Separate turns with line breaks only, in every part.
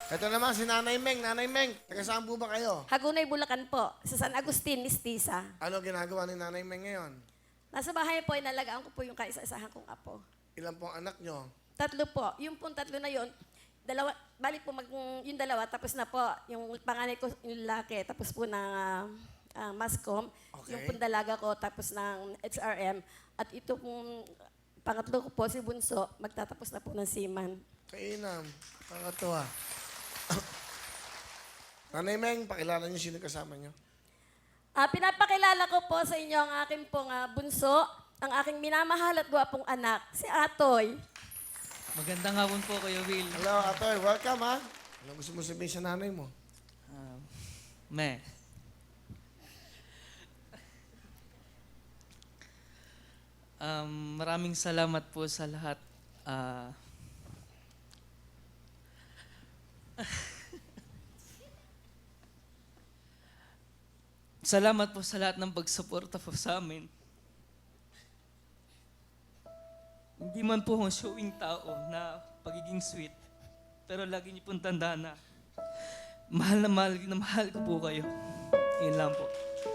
Ito naman si Nanay Meng. Nanay Meng, taga saan po ba kayo?
Hagunay, Bulacan po. Sa San Agustin, Mistisa.
Ano ginagawa ni Nanay Meng ngayon?
Nasa bahay po, inalagaan ko po yung kaisa-isahan kong apo.
Ilan pong anak nyo?
3 po. Yung pong 3 na yun, dalawa, balik po yung dalawa, tapos na po. Yung panganay ko, yung lalaki, tapos po ng Mascom.
Okay.
Yung pong dalaga ko, tapos ng HRM. At ito pong pangatlo ko po, si Bunso, magtatapos na po ng Seaman.
Kainam. Pangatuwa. Nanay Meng, pakilala niyo sino kasama niyo.
Pinapakilala ko po sa inyo ang aking pong bunso, ang aking minamahal at gwapong anak, si Atoy.
Magandang hapon po, Kuya Will.
Hello, Atoy. Welcome, ha? Ano gusto mo sabihin sa nanay mo?
Me. Maraming salamat po sa lahat. Salamat po sa lahat ng pagsuporta po sa amin. Hindi man po akong showing tao na pagiging sweet. Pero lagi niyo pong tandaan na mahal na mahal ko po kayo. Yun lang po.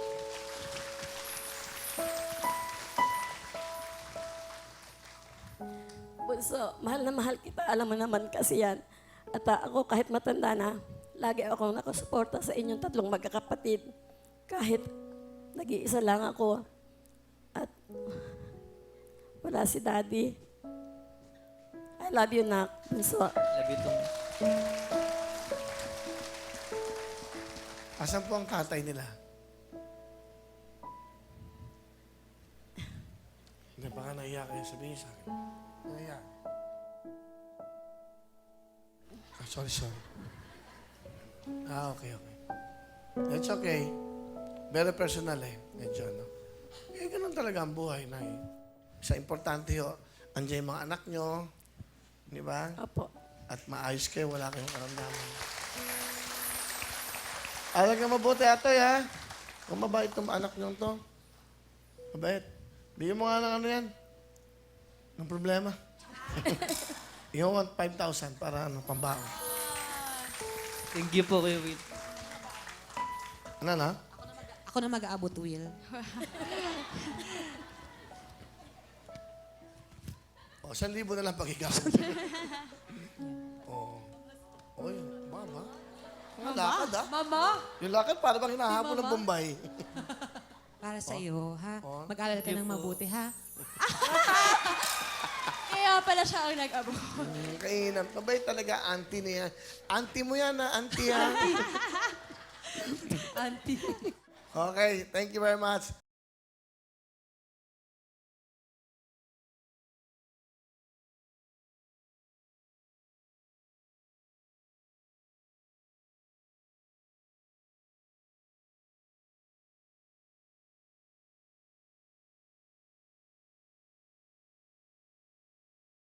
Bunso, mahal na mahal kita. Alam mo naman kasi yan. At ako kahit matanda na, lagi akong nakasuporta sa inyong 3 magkakapatid. Kahit nag-iisa lang ako. At wala si Daddy. I love you, Nak. Bunso.
Love you too.
Asan po ang tatay nila? Hindi, baka nahiya kayo sabihin sa akin. Nahiya. Sorry. Okay. It's okay. Very personal Medyo, no? Ganun talaga ang buhay na Sa importante andiyan yung mga anak nyo. Di ba?
Opo.
At maayos kayo, wala kayong karamdaman. Alam ka mabuti, Atoy, ha? Kung mabait itong anak nyo to. Mabait. Bigyan mo nga ng ano yan. Ng problema. You want 5,000 para pambaon.
Thank you po, Kuya Will.
Ano na?
Ako na mag-aabot, Will.
O, 1,000 na lang pag-ikaw. Oy, mama. Ang lakad, ha?
Mama!
Yung lakad, para bang hinahabol ng Bombay.
Para sa iyo, ha?
Oh.
Mag-alala ka ng mabuti, ha?
Kaya pala siya ang nag-abo.
Kainam. Mabait talaga, auntie niya. Auntie mo yan, ha? Auntie, ha?
Auntie.
Okay, thank you very much.